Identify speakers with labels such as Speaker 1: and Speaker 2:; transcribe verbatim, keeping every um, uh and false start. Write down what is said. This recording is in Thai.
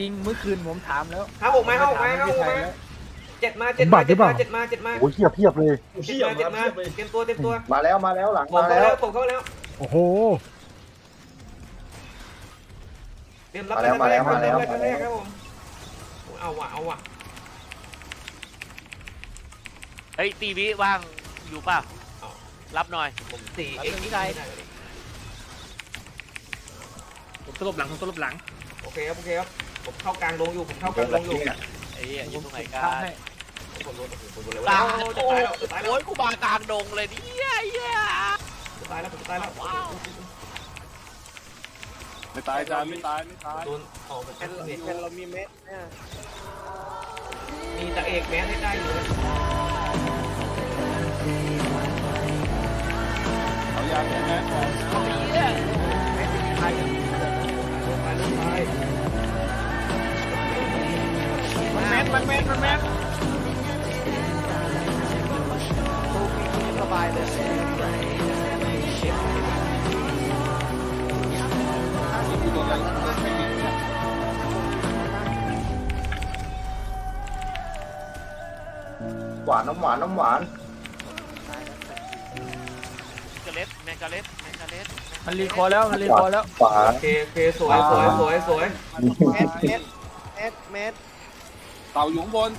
Speaker 1: จริงเมื่อคืนผมถามแล้ว
Speaker 2: ห้าหกมาห้าหกมาห้าหกมาเจ็ดมาเจ็ด
Speaker 3: บั
Speaker 2: มา
Speaker 3: ตรหรื
Speaker 2: เจ็
Speaker 3: อ
Speaker 2: ด
Speaker 3: เปล่า
Speaker 2: มาเจ็ดมาเจ็ดมา
Speaker 3: โอ้ยเทียบเทียบเลย
Speaker 2: เจ็ดมาเจ็ดมาเตรียมตัวเตรียมตัว
Speaker 4: มาแล้วมาแล้วหลัง
Speaker 2: ผม
Speaker 4: มา
Speaker 2: เข้า
Speaker 4: แล้
Speaker 2: แล้ว วผมเข้าแล้ว
Speaker 3: โอ้โห
Speaker 2: เตรียมรับแรกแรกแรกแรกครับผมเอาว่ะเอาว่ะ
Speaker 5: เฮ้ยตีวิว่างอยู่ป่ะรับหน่อย
Speaker 2: ผมสี่
Speaker 5: รับ
Speaker 2: เอ็ก
Speaker 5: หนึ่ง
Speaker 2: ซ์
Speaker 5: ที่ใด
Speaker 1: ผมสลบหลังผมสลบหลัง
Speaker 2: โอเคครับโอเคครับผมเข้ากลางลงอยู่ผมเข้ากลางลงอยู่
Speaker 5: ไอ้เหี้ยอยู่ตรงไหนกั
Speaker 1: ทำ
Speaker 5: น
Speaker 1: ให้
Speaker 2: ผมโดนผมโดนเลย
Speaker 5: กลาง
Speaker 2: จะ
Speaker 5: โอ้
Speaker 2: ตายแล้วจะตายแล้ว
Speaker 5: โอ้ยกูมากลางดงเลยเนี่ยไอ้เหี้ย
Speaker 2: จะตายแล้วผมจะตายแล้ว
Speaker 5: ว้าว
Speaker 4: ไม่ตายจานไม่ตายไม่ตาย
Speaker 2: โดนออกเป็น
Speaker 4: แค่
Speaker 2: เม็ด
Speaker 4: เรามีเม็ดเนี่ย
Speaker 2: มีตะเอกแมสให้ได้อยู่
Speaker 4: เอายาแก้แม็กก่อน
Speaker 5: ไอ้เหี้ย
Speaker 2: ตายตายตาย
Speaker 1: มันแมสมันแมสมันแมส
Speaker 5: สบายเลย
Speaker 4: หวานน้ำหวานน้ำหวาน
Speaker 5: กาเล็ดแมงกาเล็ดแมงกาเล็ด
Speaker 1: มันรีคอร์แล้วมันรีคอร์แล้ว
Speaker 4: หวาน
Speaker 2: โอเคโอเคสวยสวยสวยสวย
Speaker 4: เม็ดเม็ดเม็ดเม็ดเต่าอยู่ข้างบน